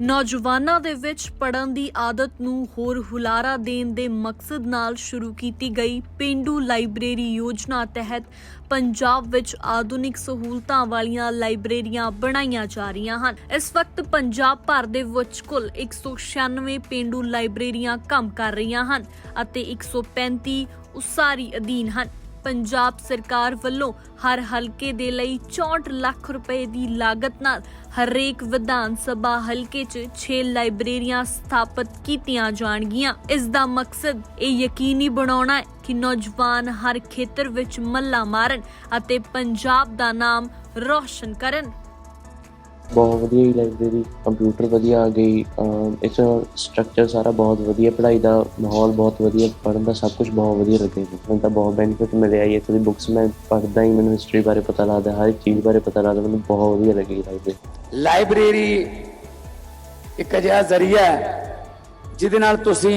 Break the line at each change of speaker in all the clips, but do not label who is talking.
ਨੌਜਵਾਨਾਂ ਦੇ ਵਿੱਚ ਪੜ੍ਹਨ ਦੀ ਆਦਤ ਨੂੰ ਹੋਰ ਹੁਲਾਰਾ ਦੇਣ ਦੇ ਮਕਸਦ ਨਾਲ ਸ਼ੁਰੂ ਕੀਤੀ ਗਈ ਪੇਂਡੂ ਲਾਇਬ੍ਰੇਰੀ ਯੋਜਨਾ ਤਹਿਤ ਪੰਜਾਬ ਵਿੱਚ ਆਧੁਨਿਕ ਸਹੂਲਤਾਂ ਵਾਲੀਆਂ ਲਾਇਬ੍ਰੇਰੀਆਂ ਬਣਾਈਆਂ ਜਾ ਰਹੀਆਂ ਹਨ। ਇਸ ਵਕਤ ਪੰਜਾਬ ਭਰ ਦੇ ਵਿੱਚ ਕੁੱਲ 196 ਪੇਂਡੂ ਲਾਇਬ੍ਰੇਰੀਆਂ ਕੰਮ ਕਰ ਰਹੀਆਂ ਹਨ ਅਤੇ 135 ਉਸਾਰੀ ਅਧੀਨ ਹਨ। ਪੰਜਾਬ ਸਰਕਾਰ ਵੱਲੋਂ ਹਰ ਹਲਕੇ ਦੇ ਲਈ 64 ਲੱਖ ਰੁਪਏ ਦੀ ਲਾਗਤ ਨਾਲ ਹਰੇਕ ਵਿਧਾਨ ਸਭਾ ਹਲਕੇ 'ਚ 6 ਲਾਇਬ੍ਰੇਰੀਆਂ ਸਥਾਪਿਤ ਕੀਤੀਆਂ ਜਾਣਗੀਆਂ। ਇਸ ਦਾ ਮਕਸਦ ਇਹ ਯਕੀਨੀ ਬਣਾਉਣਾ ਹੈ ਕਿ ਨੌਜਵਾਨ ਹਰ ਖੇਤਰ ਵਿੱਚ ਮੱਲਾ ਮਾਰਨ ਅਤੇ ਪੰਜਾਬ ਦਾ ਨਾਮ ਰੌਸ਼ਨ ਕਰਨ।
बहुत वधिया ही लाइब्रेरी, कंप्यूटर वधिया आ गई, इस स्ट्रक्चर सारा बहुत वधिया, पढ़ाई का माहौल बहुत वधिया, पढ़न का सब कुछ बहुत वधिया लगे। मैं तो बहुत बेनीफिट मिले आई इत्थों दी बुक्स मैं पढ़दा ही, मैंने हिस्टरी बारे पता लगता, हर एक चीज़ बारे पता लगता, मैंने बहुत वधिया लगी लाइब्रेरी।
लाइब्रेरी एक अजिहा जरिया है जिहदे नाल तुसीं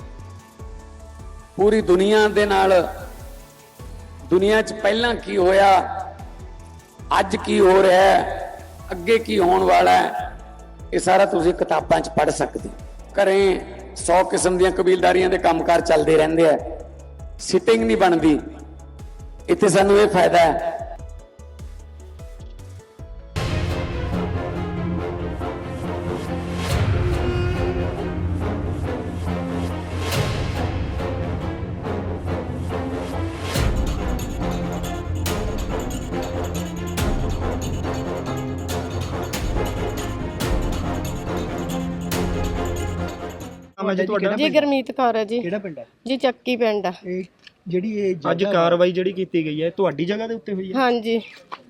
पूरी दुनिया दे नाल, दुनिया च पहलां की होया, अज की हो रहा है, ਅੱਗੇ ਕੀ ਹੋਣ ਵਾਲਾ ਹੈ, ਇਹ ਸਾਰਾ ਤੁਸੀਂ ਕਿਤਾਬਾਂ 'ਚ ਪੜ੍ਹ ਸਕਦੇ। ਘਰੇ 100 ਕਿਸਮ ਦੀਆਂ ਕਬੀਲਦਾਰੀਆਂ ਦੇ ਕੰਮਕਾਰ ਚੱਲਦੇ ਰਹਿੰਦੇ ਆ, ਸਿਟਿੰਗ ਨਹੀਂ ਬਣਦੀ। ਇੱਥੇ ਸਾਨੂੰ ਇਹ ਫਾਇਦਾ ਹੈ।
जी गुरमीत कौर है जी।
ਕਿਹੜਾ ਪਿੰਡ ਹੈ
जी ਚੱਕੀ ਪਿੰਡ ਆ।
ਇਹ ਜਿਹੜੀ ਇਹ ਅੱਜ ਕਾਰਵਾਈ ਜਿਹੜੀ ਕੀਤੀ ਗਈ ਹੈ ਤੁਹਾਡੀ ਜਗ੍ਹਾ ਦੇ ਉੱਤੇ ਹੋਈ ਹੈ?
ਹਾਂਜੀ।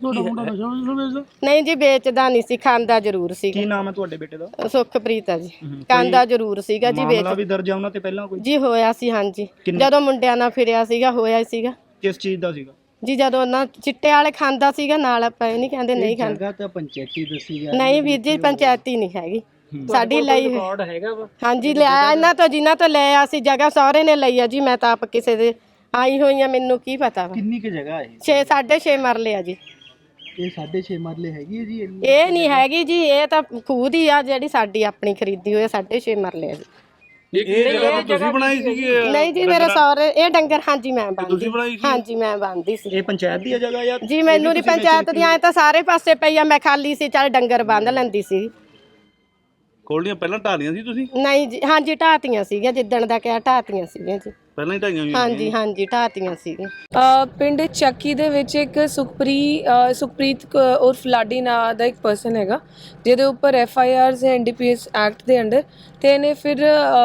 ਨਹੀਂ ਜੀ ਵੇਚਦਾ ਨਹੀਂ ਸੀ, ਖਾਂਦਾ ਜ਼ਰੂਰ ਸੀ।
ਕੀ ਨਾਮ ਹੈ ਤੁਹਾਡੇ ਬੇਟੇ ਦਾ?
ਸੁਖਪ੍ਰੀਤ ਆ ਜੀ। ਖਾਂਦਾ ਜ਼ਰੂਰ ਸੀਗਾ ਜੀ।
ਮਾਮਲਾ ਵੀ ਦਰਜ ਆ ਉਹਨਾਂ ਤੇ ਪਹਿਲਾਂ ਕੋਈ?
ਜੀ ਹੋਇਆ ਸੀ, ਹਾਂਜੀ। ਜਦੋਂ ਮੁੰਡਿਆਂ ਨਾਲ ਫਿਰਿਆ ਸੀਗਾ ਹੋਇਆ ਸੀਗਾ।
ਕਿਸ ਚੀਜ਼ ਦਾ ਸੀਗਾ
ਜੀ ਜਦੋਂ ਨਾ ਚਿੱਟੇ ਵਾਲੇ ਖਾਂਦਾ ਸੀਗਾ ਨਾਲ, ਆਪਾਂ ਇਹ ਨਹੀਂ ਕਹਿੰਦੇ ਨਹੀਂ ਖਾਂਦਾ।
ਜਗ੍ਹਾ ਤਾਂ ਪੰਚਾਇਤੀ ਦੱਸੀ ਜਾ
ਨਹੀਂ ਵੀਰ ਜੀ, ਪੰਚਾਇਤੀ ਨਹੀਂ ਹੈਗੀ ਸਾਡੀ ਲਈ। ਹਾਂਜੀ ਲਿਆ ਇਹਨਾਂ ਤੋਂ, ਜਿਨ੍ਹਾਂ ਤੋਂ ਲਿਆ ਸੀ ਜਗ੍ਹਾ ਸਹੁਰੇ ਨੇ ਲਈ ਆ ਜੀ। ਮੈਂ ਤਾਂ ਆਪ ਕਿਸੇ ਦੇ ਆਈ ਹੋਈ ਆ, ਮੈਨੂੰ ਕੀ ਪਤਾ ਵਾ।
ਕਿੰਨੀ ਕੁ ਜਗ੍ਹਾ ਹੈ?
6.5 ਮਰਲੇ ਆ ਜੀ।
ਇਹ 6.5 ਮਰਲੇ ਹੈਗੀ ਹੈ ਜੀ?
ਇਹ ਨਹੀਂ ਹੈਗੀ ਜੀ, ਇਹ ਤਾਂ ਖੂਦ ਹੀ ਆ ਜਿਹੜੀ ਸਾਡੀ ਆਪਣੀ ਖਰੀਦੀ ਹੋਈ 6.5 ਮਰਲੇ ਆ ਜੀ।
ਇਹ ਜਗ੍ਹਾ ਤੁਸੀਂ ਬਣਾਈ ਸੀਗੀ?
ਨਹੀਂ ਜੀ ਮੇਰੇ ਸਹੁਰੇ ਇਹ ਡੰਗਰ, ਹਾਂਜੀ ਮੈਂ ਬੰਨਦੀ। ਹਾਂਜੀ ਮੈਂ ਬੰਨਦੀ ਸੀ।
ਇਹ ਪੰਚਾਇਤ ਦੀ ਜਗ੍ਹਾ ਜਾਂ
ਜੀ? ਮੈਨੂੰ ਨਹੀਂ ਪੰਚਾਇਤ ਦੀ, ਐ ਤਾਂ ਸਾਰੇ ਪਾਸੇ ਪਈ ਆ, ਮੈਂ ਖਾਲੀ ਸੀ, ਚੱਲ ਡੰਗਰ ਬੰਨ ਲੈਂਦੀ ਸੀ।
ਕੋਲਡੀਆਂ ਪਹਿਲਾਂ ਢਾਲੀਆਂ ਸੀ ਤੁਸੀਂ?
ਨਹੀਂ ਜੀ, ਹਾਂਜੀ ਢਾਤੀਆਂ ਸੀਗੀਆਂ, ਜਿੱਦਣ ਦਾ ਕਿਹਾ ਢਾਤੀਆਂ ਸੀਗੀਆਂ ਜੀ।
ਪਹਿਲਾਂ ਹੀ ਢਾਈਆਂ ਹੋਈਆਂ?
ਹਾਂਜੀ ਹਾਂਜੀ ਢਾਤੀਆਂ ਸੀਗੀਆਂ।
ਪਿੰਡ ਚੱਕੀ ਦੇ ਵਿੱਚ ਇੱਕ ਸੁਖਪ੍ਰੀਤ ਉਰਫ ਲਾਡੀ ਨਾਂ ਦਾ ਇੱਕ ਪਰਸਨ ਹੈਗਾ, ਜਿਹਦੇ ਉੱਪਰ FIRs ਹੈ NDPS ਐਕਟ ਦੇ ਅੰਡਰ, ਤੇ ਇਹਨੇ ਫਿਰ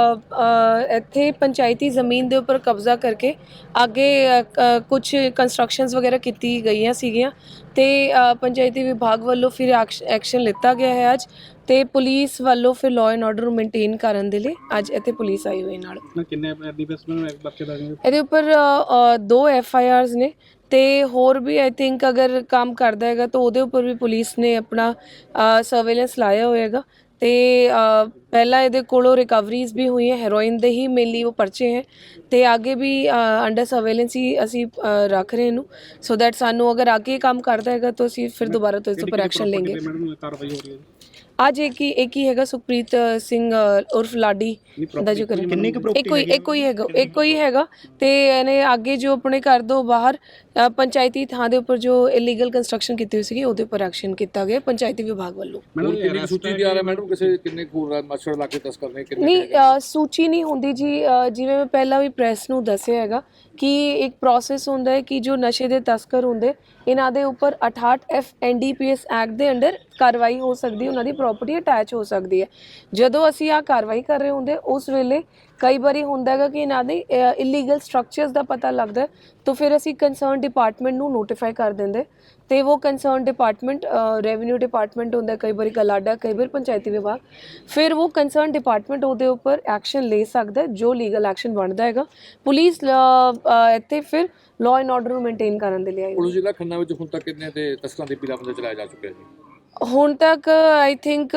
ਇੱਥੇ ਪੰਚਾਇਤੀ ਜ਼ਮੀਨ ਦੇ ਉੱਪਰ ਕਬਜ਼ਾ ਕਰਕੇ ਅੱਗੇ ਕੁਝ ਕੰਸਟਰਕਸ਼ਨਸ ਵਗੈਰਾ ਕੀਤੀ ਗਈਆਂ ਸੀਗੀਆਂ, ਤੇ ਪੰਚਾਇਤੀ ਵਿਭਾਗ ਵੱਲੋਂ ਫਿਰ ਐਕਸ਼ਨ ਲਿੱਤਾ ਗਿਆ ਹੈ ਅੱਜ, ਤੇ ਪੁਲਿਸ ਵੱਲੋਂ ਫਿਰ ਲਾਅ ਐਂਡ ਆਰਡਰ ਮੇਨਟੇਨ ਕਰਨ ਦੇ ਲਈ ਅੱਜ ਇੱਥੇ ਪੁਲਿਸ ਆਈ ਹੋਈ ਨਾਲ।
ਕਿੰਨੇ NDPS ਨੂੰ ਬੱਚੇ ਦਾ?
ਇਹਦੇ ਉੱਪਰ 2 FIRs ਨੇ, ਤੇ ਹੋਰ ਵੀ ਆਈ ਥਿੰਕ ਅਗਰ ਕੰਮ ਕਰਦਾ ਹੈਗਾ ਤਾਂ ਉਹਦੇ ਉੱਪਰ ਵੀ ਪੁਲਿਸ ਨੇ ਆਪਣਾ ਸਰਵੇਲੈਂਸ ਲਾਇਆ ਹੋਏਗਾ। ਤੇ ਪਹਿਲਾਂ ਇਹਦੇ ਕੋਲੋਂ ਰਿਕਵਰੀਜ਼ ਵੀ ਹੋਈਆਂ, ਹੈਰੋਇਨ ਦੇ ਹੀ ਮੇਨਲੀ ਉਹ ਪਰਚੇ ਹੈ, ਤੇ ਅੱਗੇ ਵੀ ਅੰਡਰ ਸਰਵੇਲੈਂਸ ਹੀ ਅਸੀਂ ਰੱਖ ਰਹੇ ਇਹਨੂੰ, ਸੋ ਦੈਟ ਸਾਨੂੰ ਅਗਰ ਅੱਗੇ ਕੰਮ ਕਰਦਾ ਹੈਗਾ ਤਾਂ ਅਸੀਂ ਫਿਰ ਦੁਬਾਰਾ ਤੋਂ ਇਸ ਉੱਪਰ ਐਕਸ਼ਨ ਲੈਂਗੇ। ਅੱਜ ਇੱਕ ਹੀ ਹੈਗਾ ਸੁਖਪ੍ਰੀਤ ਸਿੰਘ ਉਰਫ ਲਾਡੀ ਦਾ ਜੋ ਕਰੇ, ਇੱਕੋ ਹੀ ਹੈਗਾ, ਤੇ ਇਹਨੇ ਅੱਗੇ ਜੋ ਆਪਣੇ ਘਰ ਤੋਂ ਬਾਹਰ ਪੰਚਾਇਤੀ ਥਾਂ ਦੇ ਉੱਪਰ ਜੋ ਇਲੀਗਲ ਕੰਸਟਰਕਸ਼ਨ ਕੀਤੀ ਹੋਈ ਸੀਗੀ ਉਹਦੇ ਉੱਪਰ ਐਕਸ਼ਨ ਕੀਤਾ ਗਿਆ ਪੰਚਾਇਤੀ ਵਿਭਾਗ ਵੱਲੋਂ।
ਮੈਡਮ ਕਿੰਨੀ ਸੂਚੀ ਦੀ ਆ ਰਿਹਾ ਮੈਡਮ, ਕਿਸੇ ਕਿੰਨੇ ਖੂਰ ਮੱਛਰ ਲਾ ਕੇ ਤਸਕਰ ਨੇ ਕਿੰਨੇ?
ਨਹੀਂ ਸੂਚੀ ਨਹੀਂ ਹੁੰਦੀ ਜੀ, ਜਿਵੇਂ ਮੈਂ ਪਹਿਲਾਂ ਵੀ ਪ੍ਰੈਸ ਨੂੰ ਦੱਸਿਆ ਹੈਗਾ ਕਿ ਇੱਕ ਪ੍ਰੋਸੈਸ ਹੁੰਦਾ ਹੈ ਕਿ ਜੋ ਨਸ਼ੇ ਦੇ ਤਸਕਰ ਹੁੰਦੇ ਇਹਨਾਂ ਦੇ ਉੱਪਰ 68F NDPS ਐਕਟ ਦੇ ਅੰਡਰ ਕਾਰਵਾਈ ਹੋ ਸਕਦੀ, ਉਹਨਾਂ ਦੀ ਪ੍ਰਾਪਰਟੀ ਅਟੈਚ ਹੋ ਸਕਦੀ ਹੈ। ਜਦੋਂ ਅਸੀਂ ਆਹ ਕਾਰਵਾਈ ਕਰ ਰਹੇ ਹੁੰਦੇ ਉਸ ਵੇਲੇ ਕਈ ਵਾਰੀ ਹੁੰਦਾ ਹੈਗਾ ਕਿ ਇਹਨਾਂ ਦੇ ਇਲੀਗਲ ਸਟਰਕਚਰਸ ਦਾ ਪਤਾ ਲੱਗਦਾ, ਤਾਂ ਫਿਰ ਅਸੀਂ ਕੰਸਰਨ ਡਿਪਾਰਟਮੈਂਟ ਨੂੰ ਨੋਟੀਫਾਈ ਕਰ ਦਿੰਦੇ, ਤੇ ਉਹ ਕੰਸਰਨ ਡਿਪਾਰਟਮੈਂਟ ਰੈਵਨਿਊ ਡਿਪਾਰਟਮੈਂਟ ਹੁੰਦਾ, ਕਈ ਵਾਰੀ ਕਲਾਡਾ, ਕਈ ਵਾਰ ਪੰਚਾਇਤੀ ਵਿਭਾਗ, ਫਿਰ ਉਹ ਕੰਸਰਨ ਡਿਪਾਰਟਮੈਂਟ ਉਹਦੇ ਉੱਪਰ ਐਕਸ਼ਨ ਲੈ ਸਕਦਾ ਜੋ ਲੀਗਲ ਐਕਸ਼ਨ ਬਣਦਾ ਹੈਗਾ। ਪੁਲਿਸ ਇੱਥੇ ਫਿਰ ਲਾਅ ਐਂਡ ਆਰਡਰ ਨੂੰ ਮੇਨਟੇਨ ਕਰਨ ਦੇ ਲਈ।
ਪੁਲਿਸ ਜ਼ਿਲ੍ਹਾ ਖੰਨਾ ਵਿੱਚ ਹੁਣ ਤੱਕ ਕਿੰਨੇ ਤੇ ਤਸਕਰਾਂ ਦੇ ਪੀਲਾਬੰਦੀ ਚਲਾਇਆ ਜਾ ਚੁੱਕਿਆ ਜੀ?
ਹੁਣ ਤੱਕ ਆਈ ਥਿੰਕ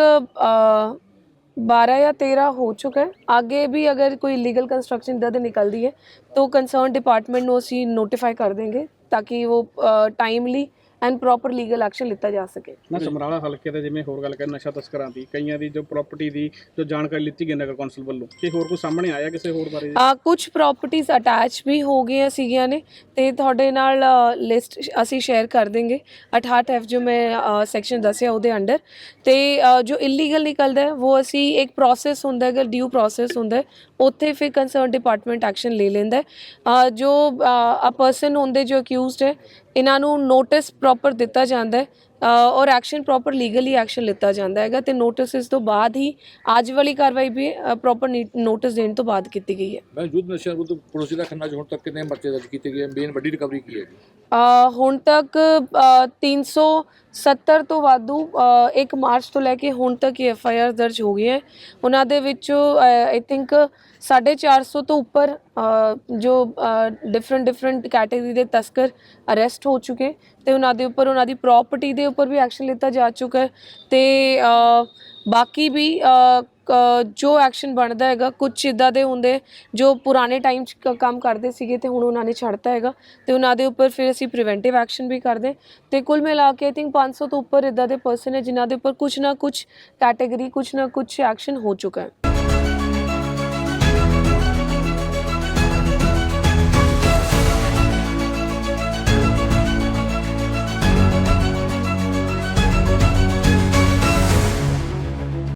12 या 13 हो चुका है। आगे भी अगर कोई लीगल कंस्ट्रक्शन इधर निकलती है तो कंसर्न डिपार्टमेंट को असी नोटिफाई कर देंगे ताकि वो timely and proper legal action ਲਿੱਤਾ ਜਾ ਸਕੇ।
ਨਾ ਸਮਰਾਲਾ ਹਲਕੇ ਦੇ ਜਿਵੇਂ ਹੋਰ ਗੱਲ ਕਰ ਨਸ਼ਾ ਤਸਕਰਾਂ ਦੀ ਕਈਆਂ ਦੀ ਜੋ ਪ੍ਰਾਪਰਟੀ ਦੀ ਜੋ ਜਾਣਕਾਰੀ ਲਿੱਤੀ ਗਈ ਨਗਰ ਕੌਂਸਲ ਵੱਲੋਂ ਕਿ ਹੋਰ ਕੋਈ ਸਾਹਮਣੇ ਆਇਆ ਕਿਸੇ ਹੋਰ ਬਾਰੇ?
ਕੁਝ ਪ੍ਰਾਪਰਟੀਜ਼ ਅਟੈਚ ਵੀ ਹੋ ਗਈਆਂ ਸੀਗੀਆਂ ਨੇ ਤੇ ਤੁਹਾਡੇ ਨਾਲ ਲਿਸਟ ਅਸੀਂ ਸ਼ੇਅਰ ਕਰ ਦੇਂਗੇ 68F ਜੋ ਮੈਂ ਸੈਕਸ਼ਨ ਦੱਸਿਆ ਉਹਦੇ ਅੰਡਰ। ਤੇ ਜੋ ਇਲੀਗਲ ਨਿਕਲਦਾ ਹੈ ਉਹ ਅਸੀਂ ਇੱਕ ਪ੍ਰੋਸੈਸ ਹੁੰਦਾ ਹੈਗਾ, ਡਿਊ ਪ੍ਰੋਸੈਸ ਹੁੰਦਾ ਹੈ, ਉੱਥੇ ਫਿਰ ਕੰਸਰਨ ਡਿਪਾਰਟਮੈਂਟ ਐਕਸ਼ਨ ਲੈ ਲੈਂਦਾ ਹੈ। ਜੋ ਆ ਪਰਸਨ ਹੁੰਦੇ ਜੋ ਅਕਿਊਜ਼ਡ ਹੈ ਇਹਨਾਂ ਨੂੰ ਨੋਟਿਸ ਪ੍ਰੋਪਰ ਦਿੱਤਾ ਜਾਂਦਾ ਹੈ ਔਰ ਐਕਸ਼ਨ ਪ੍ਰੋਪਰ ਲੀਗਲੀ ਐਕਸ਼ਨ ਲਿੱਤਾ ਜਾਂਦਾ ਹੈਗਾ ਤੇ ਨੋਟਿਸ ਤੋਂ ਬਾਅਦ ਹੀ ਅੱਜ ਵਾਲੀ ਕਾਰਵਾਈ ਵੀ ਪ੍ਰੋਪਰ ਨੋਟਿਸ ਦੇਣ ਤੋਂ ਬਾਅਦ ਕੀਤੀ ਗਈ ਹੈ।
ਮੈਂ ਯੁੱਧ ਨਸ਼ਿਆਂ ਵਿਰੁੱਧ ਪੁਲਿਸ ਦਾ ਖੰਨਾ 'ਚ ਹੁਣ ਤੱਕ ਕਿੰਨੇ ਪਰਚੇ ਦਰਜ ਕੀਤੇ ਗਏ, ਮੇਨ ਵੱਡੀ ਰਿਕਵਰੀ ਕੀ ਹੈ?
ਹੁਣ ਤੱਕ 370 ਤੋਂ ਵਾਧੂ 1 ਮਾਰਚ ਤੋਂ ਲੈ ਕੇ ਹੁਣ ਤੱਕ ਹੀ FIR ਦਰਜ ਹੋ ਗਈ ਹੈ। ਉਹਨਾਂ ਦੇ ਵਿੱਚੋਂ ਆਈ ਥਿੰਕ 450 ਤੋਂ ਉੱਪਰ ਜੋ ਡਿਫਰੈਂਟ ਕੈਟੇਗਰੀ ਦੇ ਤਸਕਰ ਅਰੈਸਟ ਹੋ ਚੁੱਕੇ ਤੇ ਉਹਨਾਂ ਦੇ ਉੱਪਰ ਉਹਨਾਂ ਦੀ ਪ੍ਰੋਪਰਟੀ ਦੇ ਉੱਪਰ ਵੀ ਐਕਸ਼ਨ ਲਿੱਤਾ ਜਾ ਚੁੱਕਾ ਹੈ ਤੇ ਬਾਕੀ ਵੀ ਜੋ ਐਕਸ਼ਨ ਬਣਦਾ ਹੈਗਾ ਕੁਝ ਇੱਦਾਂ ਦੇ ਹੁੰਦੇ ਜੋ ਪੁਰਾਣੇ ਟਾਈਮ 'ਚ ਕੰਮ ਕਰਦੇ ਸੀਗੇ ਤੇ ਹੁਣ ਉਹਨਾਂ ਨੇ ਛੱਡਤਾ ਹੈਗਾ ਤੇ ਉਹਨਾਂ ਦੇ ਉੱਪਰ ਫਿਰ ਅਸੀਂ ਪ੍ਰੀਵੈਂਟਿਵ ਐਕਸ਼ਨ ਵੀ ਕਰਦੇ ਤੇ ਕੁੱਲ ਮਿਲਾ ਕੇ ਆਈ ਥਿੰਕ 500 ਤੋਂ ਉੱਪਰ ਇੱਦਾਂ ਦੇ ਪਰਸਨ ਹੈ ਜਿਨ੍ਹਾਂ ਦੇ ਉੱਪਰ ਕੁਝ ਨਾ ਕੁਝ ਕੈਟੇਗਰੀ ਕੁਝ ਨਾ ਕੁਝ ਐਕਸ਼ਨ ਹੋ ਚੁੱਕਾ ਹੈ।